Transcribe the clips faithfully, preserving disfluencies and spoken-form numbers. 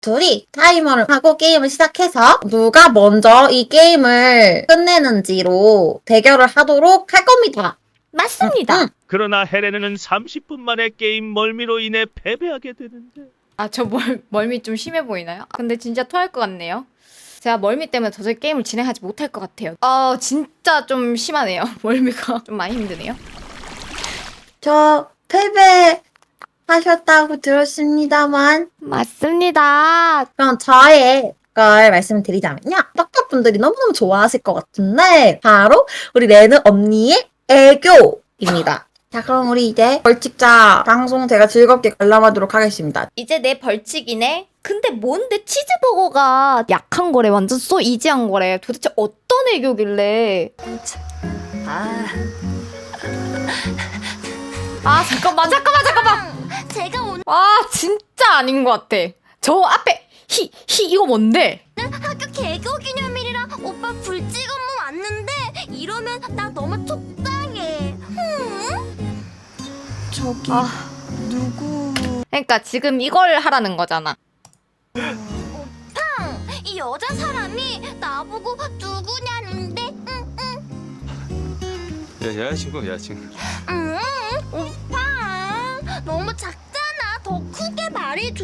둘이 타이머를 하고 게임을 시작해서 누가 먼저 이 게임을 끝내는지로 대결을 하도록 할 겁니다. 맞습니다. 응, 응. 그러나 헬레네는 삼십 분 만에 게임 멀미로 인해 패배하게 되는데. 아, 저 멀, 멀미 좀 심해 보이나요? 근데 진짜 토할 것 같네요. 제가 멀미 때문에 도저히 게임을 진행하지 못할 것 같아요. 아, 진짜 좀 심하네요. 멀미가 좀 많이 힘드네요. 저 패배하셨다고 들었습니다만 맞습니다. 그럼 저의 걸 말씀드리자면요. 떡밥분들이 너무너무 좋아하실 것 같은데 바로 우리 레는 언니의 애교입니다. 자, 그럼 우리 이제 벌칙자 방송 제가 즐겁게 관람하도록 하겠습니다. 이제 내 벌칙이네. 근데 뭔데 치즈버거가 약한 거래. 완전 쏘 이지한 거래. 도대체 어떤 애교길래. 아, 아, 잠깐만, 잠깐만, 잠깐만. 제가 오늘 와, 진짜 아닌 것 같아. 저 앞에 히, 히, 이거 뭔데? 학교 개교 기념일이라 오빠 불찍 업무 왔는데 이러면 나 너무 속상해. 응? 저기 아. 누구 그러니까 지금 이걸 하라는 거잖아. 이 여자 사람이 나보고 누구냐는데 응, 야, 여자친구, 여자친구. 응, 오빠 너무 작잖아. 더 크게 말해줘.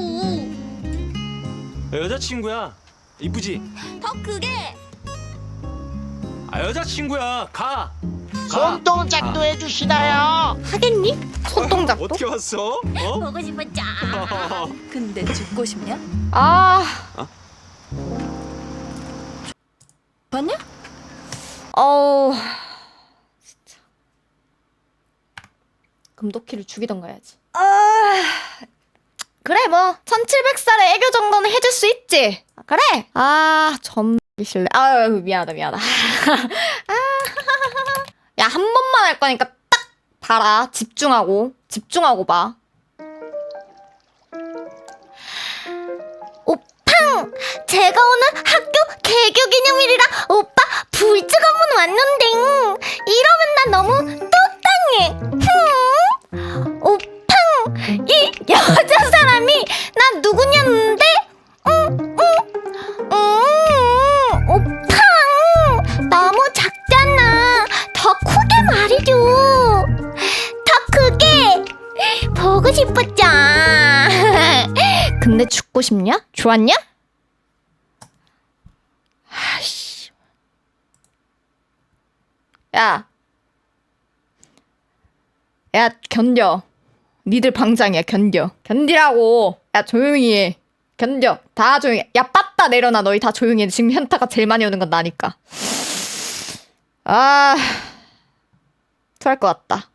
야, 여자친구야. 이쁘지? 더 크게. 아, 여자친구야. 가. 가. 손동작도 해주시나요? 하겠니? 손동작도? 어떻게 왔어? 어? 보고 싶었죠. 근데 죽고 싶냐? 아, 봤냐? 어우, 진짜. 금도키를 죽이던가 해야지. 아, 그래 뭐 천칠백 살의 애교 정도는 해줄 수 있지. 아, 그래. 아, 점실래. 아, 미안하다, 미안하다. 아, 야, 한 번만 할 거니까 딱 봐라. 집중하고, 집중하고 봐. 오팡! 제가 오늘 학교 개교 기념일이라 오빠 불찍 업무 왔는데 이러면 나 너무 똑당해. 흠. 오팡! 이 여자 사람이 나 누구냐는데? 응, 응, 응. 오팡! 너무 작잖아. 더 크게 말해줘. 더 크게. 보고 싶었죠. 근데 죽고 싶냐? 좋았냐? 아이씨. 야. 야, 견뎌. 니들 방장이야, 견뎌. 견디라고. 야, 조용히 해. 견뎌. 다 조용히 해. 야, 빠따 내려놔. 너희 다 조용히 해. 지금 현타가 제일 많이 오는 건 나니까. 아. 토할 것 같다.